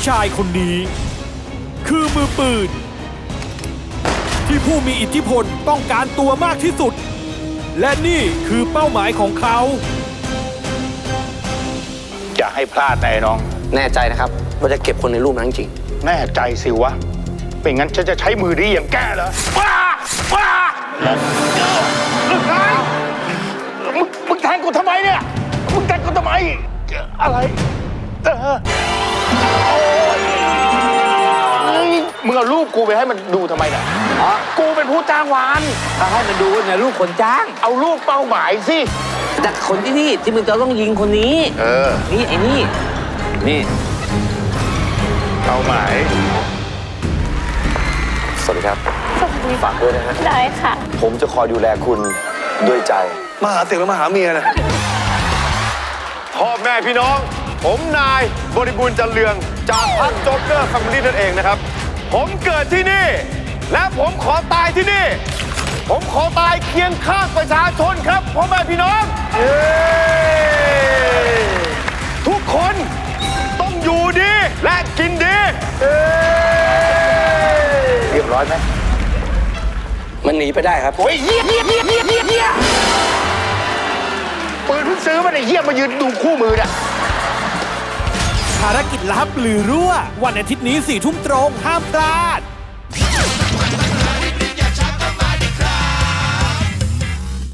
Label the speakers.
Speaker 1: ชายคนนี้ คือมือปืนที่ผู้มีอิทธิพลต้องการตัวมากที่สุด และนี่คือเป้าหมายของเขา
Speaker 2: อย่าให้พลาดนะไอ้น้อง
Speaker 3: แน่ใจนะครับว่าจะเก็บคนในรูปนั้นจริง
Speaker 2: แน่ใจสิวะเป็นงั้นฉันจะใช้มือดีอย่างแกเหรอว้ามึงแทงกูทำไมเนี่ยมึงแทงกูทำไมอะไรมึงเอารูปกูไปให้มันดูทำไมเนี่ยกูเป็นผู้จ้างวานให้มันดูเนี่ยรูปคนจ้างเอารูปเป้าหมายสิ
Speaker 3: แต่คนที่มึงจะต้องยิงคนนี้นี่ไอ้นี่
Speaker 2: เป้าหมาย
Speaker 4: สวัสดีครับฝากด้วยนะฮะ
Speaker 5: ได้ค่ะ
Speaker 4: ผมจะคอยดูแลคุณด้วยใจ
Speaker 6: มาหาเสียงแล้วมาหาเมียนะ
Speaker 7: พ่อแม่พี่น้อง ผมนายบริบูรณ์จันเรืองจากพรรคโจ๊กเกอร์แฟมิลี่นั่นเองนะครับ ผมเกิดที่นี่ และผมขอตายที่นี่ ผมขอตายเคียงข้างประชาชนครับพ่อแม่พี่น้องทุกคนต้องอยู่ดีและกินดีเรียบร้อยไหม
Speaker 3: มันหนีไปได้ครับ
Speaker 2: โอ้ยเฮียปืนเพิ่งซื้อมาไอ้เฮียมายืนดูคู่มือน่ะ
Speaker 1: ภารกิจลับหรือรั่ววันอาทิตย์นี้4 ทุ่มตรงห้ามพลาด